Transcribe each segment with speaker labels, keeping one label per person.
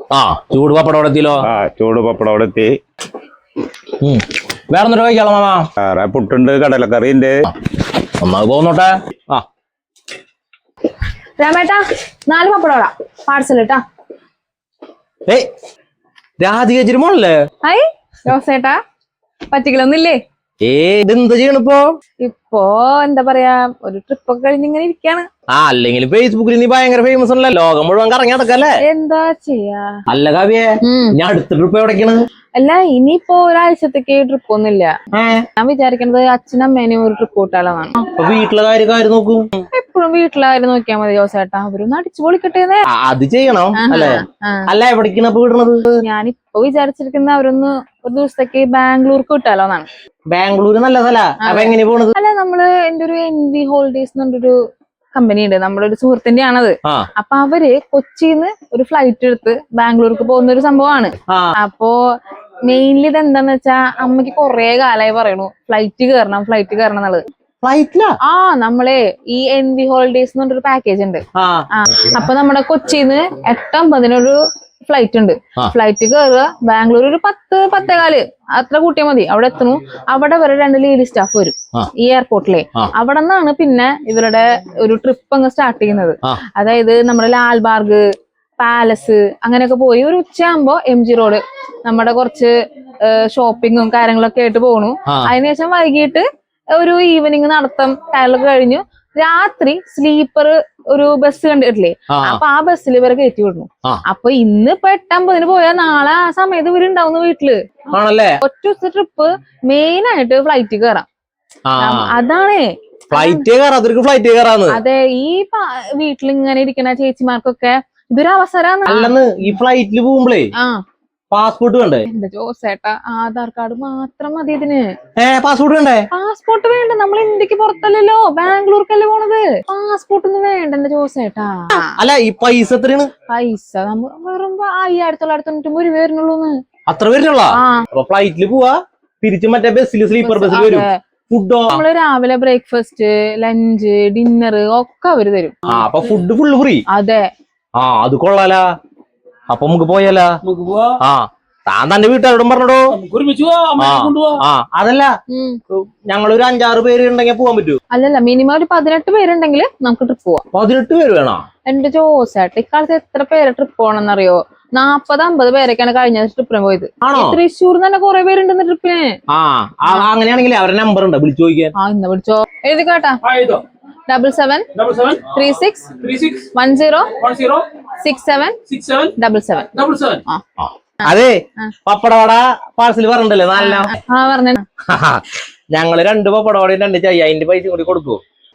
Speaker 1: ആ ചൂട് പപ്പടം അവിടെ എത്തിയല്ലോ.
Speaker 2: ആ ചൂട് പപ്പടം അവിടെ എത്തി.
Speaker 1: വേറെ ഒന്നും കഴിക്കാലോ മാമാ?
Speaker 2: വേറെ പുട്ടുണ്ട്, കടലക്കറി ഉണ്ട്.
Speaker 1: ഒന്നാ പോന്നോട്ടെ. ആ
Speaker 3: രാമേട്ടാ 4 പപ്പടോടാ പാർസൽ ഇട്ടാ.
Speaker 1: ഏയ് രാധികച്ചിരി മോളല്ലേ?
Speaker 3: ഹായ് ജോസേട്ടാ, പറ്റിക്കലൊന്നുമില്ലേ?
Speaker 1: ഇതെന്താ ചെയ്യണിപ്പോ?
Speaker 3: ഇപ്പോ എന്താ പറയാ, ഒരു ട്രിപ്പ് ഒക്കെ കഴിഞ്ഞിങ്ങനെ ഇരിക്കാണ്.
Speaker 1: അല്ലെങ്കിൽ ഫേസ്ബുക്കിൽ നീ ഭയങ്കര ഫേമസ് അല്ലേ, ലോകം മുഴുവൻ കറങ്ങി നടക്കല്ലേ?
Speaker 3: എന്താ ചെയ്യാ.
Speaker 1: അല്ല കാവ്യേ, ഞാൻ അടുത്ത ട്രിപ്പ് എവിടേക്കാണ്?
Speaker 3: അല്ല ഇനിയിപ്പോ ഒരാഴ്ചത്തേക്ക് ട്രിപ്പ് ഒന്നുമില്ല. ഞാൻ വിചാരിക്കണത് അച്ഛനമ്മേനെയും ഒരു ട്രിപ്പ് കൂട്ടാളാണ്.
Speaker 1: വീട്ടിലെ കാര്യം നോക്കും.
Speaker 3: എപ്പോഴും വീട്ടിലാരും നോക്കിയാൽ മതി ജോസേട്ടാ, അവരൊന്ന് അടിച്ചു പൊളിക്കട്ടേന്നേ.
Speaker 1: അത് ചെയ്യണം അല്ലേ? അല്ല എവിടേക്കാണ് ഇപ്പൊ വിടണത്?
Speaker 3: ഞാനിപ്പോ വിചാരിച്ചിരിക്കുന്ന അവരൊന്ന് ഒരു ദിവസത്തേക്ക് ബാംഗ്ലൂർക്ക് വിട്ടാലോന്നാണ്.
Speaker 1: ബാംഗ്ലൂര് നല്ല സ്ഥല. അപ്പൊ എങ്ങനെയാ പോണത്?
Speaker 3: അല്ല നമ്മള് എന്റെ ഒരു NV ഹോളിഡേയ്സ് എന്നൊരു കമ്പനി ഉണ്ട്, നമ്മുടെ ഒരു സുഹൃത്തിന്റെ ആണത്. അപ്പൊ അവര് കൊച്ചിന്ന് ഒരു ഫ്ലൈറ്റ് എടുത്ത് ബാംഗ്ലൂർക്ക് പോകുന്ന ഒരു സംഭവമാണ്. അപ്പോ മെയിൻലി ഇത് എന്താന്ന് വെച്ചാ, അമ്മക്ക് കൊറേ കാലായി പറയണു ഫ്ലൈറ്റ് കയറണം എന്നുള്ളത്.
Speaker 1: ഫ്ലൈറ്റിലാ?
Speaker 3: നമ്മളെ ഈ NV ഹോളിഡേയ്സ് എന്ന് പറഞ്ഞൊരു പാക്കേജ് ഉണ്ട്. അപ്പൊ നമ്മുടെ കൊച്ചിന്ന് 8:50 ഫ്ലൈറ്റ് ഉണ്ട്. ഫ്ലൈറ്റ് കയറുക, ബാംഗ്ലൂർ ഒരു 10-10:15 അത്ര കൂട്ടിയാൽ മതി. അവിടെ എത്തുന്നു. അവിടെ വരെ 2 ലേഡി സ്റ്റാഫ് വരും ഈ എയർപോർട്ടിലെ. അവിടെ നിന്നാണ് പിന്നെ ഇവരുടെ ഒരു ട്രിപ്പ് അങ്ങ് സ്റ്റാർട്ട് ചെയ്യുന്നത്. അതായത് നമ്മുടെ ലാൽബാർഗ്, പാലസ് അങ്ങനെയൊക്കെ പോയി ഒരു ഉച്ചയാകുമ്പോ MG റോഡ് നമ്മുടെ കുറച്ച് ഷോപ്പിങ്ങും കാര്യങ്ങളൊക്കെ ആയിട്ട് പോണു. അതിനുശേഷം വൈകിട്ട് ഒരു ഈവനിങ് നടത്തം കാര്യങ്ങളൊക്കെ കഴിഞ്ഞു. രാത്രി സ്ലീപ്പർ ഒരു ബസ് കണ്ടിട്ടില്ലേ, അപ്പൊ ആ ബസ്സിൽ ഇവരെ കയറ്റി വിടുന്നു. അപ്പൊ ഇന്ന് ഇപ്പൊ 8:50 പോയാൽ നാളെ ആ സമയത്ത് ഇവരുണ്ടാവുന്ന വീട്ടില്. ഒറ്റ ദിവസത്തെ ട്രിപ്പ് മെയിൻ ആയിട്ട് ഫ്ലൈറ്റ് കയറാം. അതാണ് അതെ. ഈ വീട്ടിൽ ഇങ്ങനെ ഇരിക്കുന്ന ചേച്ചിമാർക്കൊക്കെ ഇതൊരു അവസരമാണ്.
Speaker 1: ഈ ഫ്ലൈറ്റിൽ പോകുമ്പോഴേ പാസ്പോർട്ട് വേണ്ടേ?
Speaker 3: എന്റെ ജോസേട്ടാ, ആധാർ കാർഡ് മാത്രം മതി ഇതിന്.
Speaker 1: പാസ്പോർട്ട് വേണ്ടേ?
Speaker 3: പാസ്പോർട്ട് വേണ്ട, നമ്മൾ ഇന്ത്യക്ക് പുറത്തല്ലല്ലോ, ബാംഗ്ലൂർക്കല്ലേ പോണത്. പാസ്പോർട്ട് ഒന്നും വേണ്ട എന്റെ ജോസേട്ടാ.
Speaker 1: അല്ല ഈ പൈസ എത്രയാണ്?
Speaker 3: പൈസ നമ്മൾ വെറും 5,990 രൂപ വരുന്നുള്ളൂന്ന്.
Speaker 1: അത്ര വരുന്നുള്ള? അപ്പൊ ഫ്ലൈറ്റിൽ പോവാ, തിരിച്ച് മറ്റേ ബസ്സിൽ സ്ലീപ്പർ ബസ്സിൽ വരും. ഫുഡോ?
Speaker 3: നമ്മള് രാവിലെ ബ്രേക്ക്ഫാസ്റ്റ്, ലഞ്ച്, ഡിന്നർ ഒക്കെ അവര് തരും.
Speaker 1: അപ്പൊ ഫുഡ് ഫുള്ള് ഫ്രീ?
Speaker 3: അതെ.
Speaker 1: അത് കൊള്ളാലാ. അപ്പൊ നമുക്ക് പോയാലോ? താൻ തന്റെ വീട്ടുകാരോടും പറഞ്ഞോ. അതല്ല, ഞങ്ങളൊരു 5-6 പേര് ഉണ്ടെങ്കിൽ പോവാൻ പറ്റൂ?
Speaker 3: അല്ലല്ല, മിനിമം ഒരു 18 പേരുണ്ടെങ്കിൽ നമുക്ക് ട്രിപ്പ് പോവാം.
Speaker 1: 18 പേര് വേണോ?
Speaker 3: എന്റെ ജോസേട്ടാ, ഇക്കാലത്ത് എത്ര പേരെ ട്രിപ്പ് പോകണമെന്നറിയോ? 40-50 പേരൊക്കെയാണ് കഴിഞ്ഞ ട്രിപ്പിന് പോയത്. തൃശ്ശൂർ തന്നെ കുറെ പേരുണ്ടെന്ന് ട്രിപ്പിന്.
Speaker 1: അങ്ങനെയാണെങ്കിൽ അവരുടെ നമ്പർ ഉണ്ട്, വിളിച്ചു ചോദിക്കാൻ.
Speaker 3: ഇന്ന് വിളിച്ചോ, എഴുതി കേട്ടാ. 77-36-10-67-77.
Speaker 1: അതെ, പപ്പടവട പാർസൽ പറഞ്ഞിട്ടല്ലേ? നല്ല
Speaker 3: പറഞ്ഞ
Speaker 1: ഞങ്ങള് 2 പപ്പടവടയും 2 ചായ, അതിന്റെ പൈസ കൂടി കൊടുക്കൂ.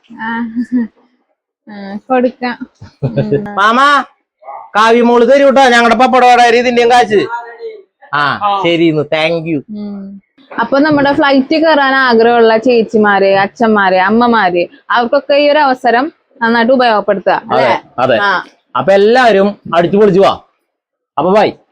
Speaker 3: കൊടുക്കാം.
Speaker 1: മാമാ, കാവ്യമോള് തരൂട്ടോ ഞങ്ങളുടെ പപ്പടവട ഇതിന്റെയും കാശ്. ശരി, താങ്ക് യു.
Speaker 3: അപ്പൊ നമ്മുടെ ഫ്ലൈറ്റ് കയറാൻ ആഗ്രഹമുള്ള ചേച്ചിമാര്, അച്ഛന്മാര്, അമ്മമാര്, അവർക്കൊക്കെ ഈ ഒരു അവസരം നന്നായിട്ട് ഉപയോഗപ്പെടുത്തുക.
Speaker 1: അതെ. അപ്പൊ എല്ലാവരും അടിച്ചു പൊളിച്ചു പോവാ. അപ്പൊ ബൈ.